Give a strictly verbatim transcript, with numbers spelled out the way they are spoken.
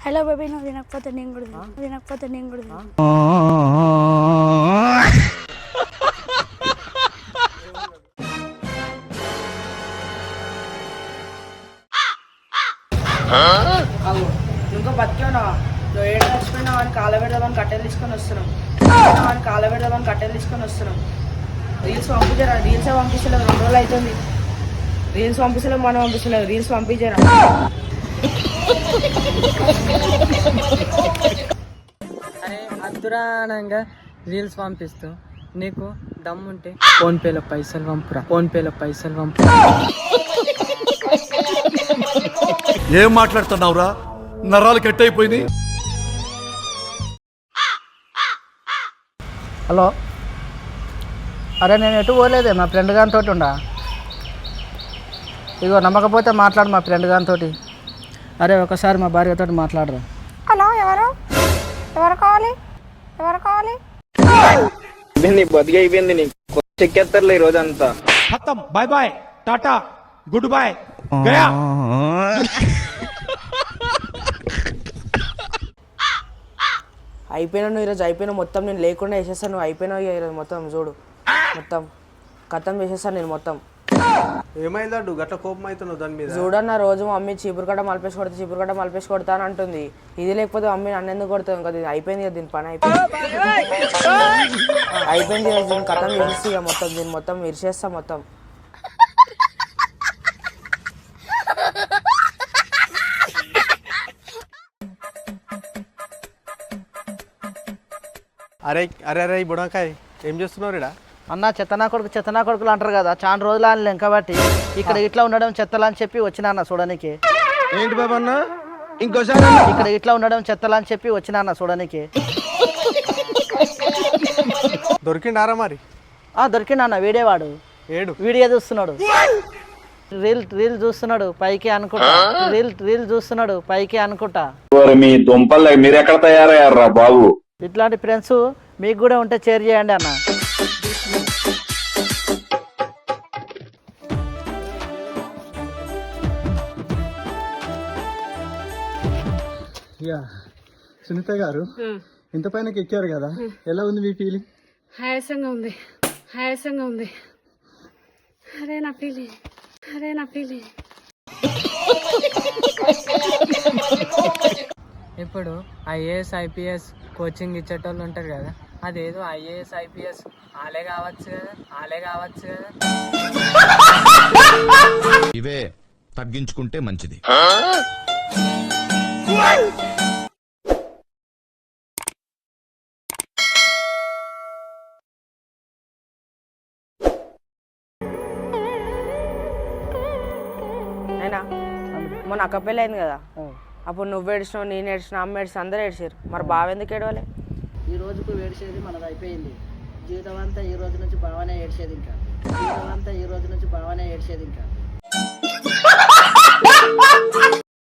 Hello baby, నువ్వు తినకపోతే నేను కూడా తిను. తినకపోతే నేను కూడా తిను. ఇంకా బతికేనా? నువ్వు ఏడు చచ్చిపోయినావు అని కాళ్ళ పెడదామని కట్టెలు తీసుకొని వస్తున్నాం అని కాళ్ళ పెడదామని కట్టెలు తీసుకొని వస్తున్నాం రీల్స్ పంపించారా? రీల్స్ పంపిస్తలేదు, రెండు రోజులు అవుతుంది. రీల్స్ పంపిస్తలేదు, మనం పంపిస్తలేదు. రీల్స్ పంపించారా? అరే అద్దురానంగా రీల్స్ పంపిస్తూ నీకు దమ్ముంటే ఫోన్ పేలో పైసలు పంపురా, ఫోన్ పేలో పైసలు పంపురా. ఏం మాట్లాడుతున్నావురా? నరాలు కట్ అయిపోయింది. హలో, అరే నేను ఎటు పోలేదే, మా ఫ్రెండ్ గారితో ఉండా. ఇగో నమ్మకపోతే మాట్లాడు మా ఫ్రెండ్ గారితో. అరే ఒకసారి మా భార్యతో మాట్లాడరా. హలో, ఎవరు ఎవరు కావాలి? ఎవరు కావాలి? బతికి అయిపోయింది. నీకు చెక్కేస్తారులే ఈ రోజంతా. బాయ్ బాయ్, టాటా, గుడ్ బాయ్, గయా. అయిపోయినా నువ్వు ఈరోజు అయిపోయినా మొత్తం నేను లేకుండా వేసేస్తాను. నువ్వు అయిపోయినావు ఈరోజు మొత్తం. చూడు మొత్తం కథం వేసేస్తాను నేను మొత్తం. ఏమైందడ్డు గట్ల కోపం అవుతున్నావు దాని మీద? చూడన్న రోజు మమ్మీ చీపురు కట్ట మలిపేసి కొడితే చీపురు కట్ట మలిపేసి కొడతా అని అంటుంది. ఇది లేకపోతే మమ్మీ నన్ను ఎందుకు కొడుతుంది? ఇంకా ఇది అయిపోయింది కదా, దీని పని అయిపోయింది అయిపోయింది ఈరోజు. దీన్ని కథం వేసేసి ఇక మొత్తం దీన్ని మొత్తం విరిచేస్తా మొత్తం. అరే అరే అరే బుడంకాయ్, ఏం చేస్తున్నావు రేడా? అన్న చెత్తనా కొడుకు చెత్తనా కొడుకులు అంటారు కదా, చాలా రోజులు అని లెంక బట్టి ఇక్కడ ఇట్లా ఉండడం చెత్తలా అని చెప్పి వచ్చినా అన్న చూడడానికి. ఏంటి బాబా అన్న? ఇంకోసారి ఇక్కడ ఇట్లా ఉండడం చెత్తలా అని చెప్పి వచ్చినా అన్న చూడడానికి. దొరికిండారా మరి? దొరికిండు అన్న, వీడేవాడు. ఏడు వీడియో చూస్తున్నాడు, రీల్ రీల్ చూస్తున్నాడు పైకి అనుకుంటా. రీల్ రీల్ చూస్తున్నాడు పైకి అనుకుంటా. మీ దుంపలు మీరు ఎక్కడ తయారయ్యారా బాబు? ఇట్లాంటి ఫ్రెండ్స్ మీకు కూడా ఉంటే షేర్ చేయండి అన్న. సునీత గారు, ఇంత పైన ఎక్కారు కదా, ఎలా ఉంది మీ ఫీలింగ్? ఆయాసంగా ఉంది, ఆయాసంగా ఉంది. అరే నా ఫీలింగ్, అరే నా ఫీలింగ్. ఇప్పుడు ఐఏఎస్ ఐపీఎస్ కోచింగ్ ఇచ్చేటోళ్ళు ఉంటారు కదా, అదేదో ఐఏఎస్ ఐపీఎస్ ఆలే కావచ్చు కదా, ఆలే కావచ్చు కదా. ఇవే తగ్గించుకుంటే మంచిది. అయినా మొన్న అక్క పెళ్ళి అయింది కదా, అప్పుడు నువ్వు ఏడిచినావు, నేను ఏడిచిన, అమ్మ ఏడిచిన, అందరూ ఏడిచారు. మరి బావ ఎందుకు ఏడవాలి? ఈ రోజుకు ఏడ్చేది మనది అయిపోయింది. జీవితం అంతా ఈ రోజు నుంచి బాగానే ఏడ్చేది ఇంకా. జీవితం అంతా ఈ రోజు నుంచి బాగానే ఏడ్చేది ఇంకా.